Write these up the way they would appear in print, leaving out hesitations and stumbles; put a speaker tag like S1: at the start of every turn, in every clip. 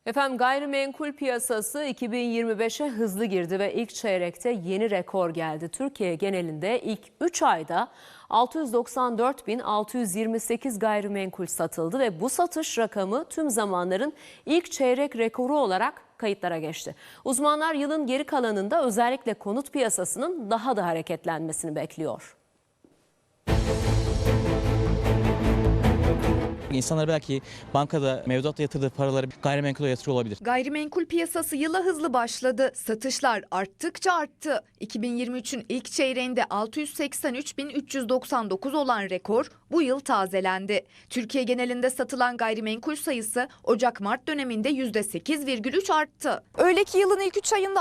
S1: Efendim gayrimenkul piyasası 2025'e hızlı girdi ve ilk çeyrekte yeni rekor geldi. Türkiye genelinde ilk 3 ayda 694.628 gayrimenkul satıldı ve bu satış rakamı tüm zamanların ilk çeyrek rekoru olarak kayıtlara geçti. Uzmanlar yılın geri kalanında özellikle konut piyasasının daha da hareketlenmesini bekliyor.
S2: İnsanlar belki bankada mevduatta yatırdığı paraları gayrimenkule yatırıyor olabilir.
S3: Gayrimenkul piyasası yıla hızlı başladı. Satışlar arttıkça arttı. 2023'ün ilk çeyreğinde 683.399 olan rekor bu yıl tazelendi. Türkiye genelinde satılan gayrimenkul sayısı Ocak-Mart döneminde %8,3 arttı. Öyle ki yılın ilk 3 ayında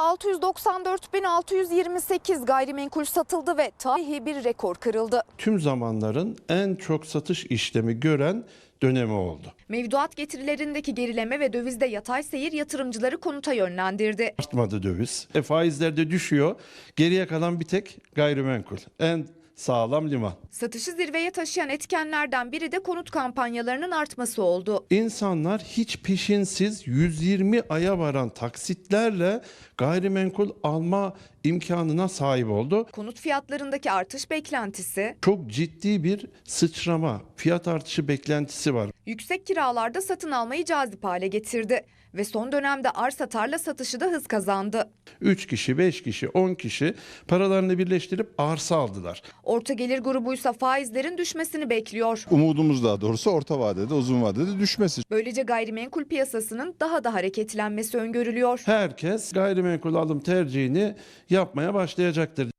S3: 694.628 gayrimenkul satıldı ve tarihi bir rekor kırıldı.
S4: Tüm zamanların en çok satış işlemi gören dönemi oldu.
S3: Mevduat getirilerindeki gerileme ve dövizde yatay seyir yatırımcıları konuta yönlendirdi.
S4: Artmadı döviz. Faizler de düşüyor. Geriye kalan bir tek gayrimenkul. En sağlam liman.
S3: Satışı zirveye taşıyan etkenlerden biri de konut kampanyalarının artması oldu.
S4: İnsanlar hiç peşinsiz 120 aya varan taksitlerle gayrimenkul alma imkanına sahip oldu.
S3: Konut fiyatlarındaki artış beklentisi,
S4: Çok ciddi bir sıçrama, fiyat artışı beklentisi var.
S3: yüksek kiralarda satın almayı cazip hale getirdi ve son dönemde arsa tarla satışı da hız kazandı.
S4: 3 kişi, 5 kişi, 10 kişi paralarını birleştirip arsa aldılar.
S3: Orta gelir grubuysa faizlerin düşmesini bekliyor.
S5: Umudumuz daha doğrusu orta vadede, uzun vadede düşmesi.
S3: Böylece gayrimenkul piyasasının daha da hareketlenmesi öngörülüyor.
S4: Herkes gayrimenkul alım tercihini yapmaya başlayacaktır.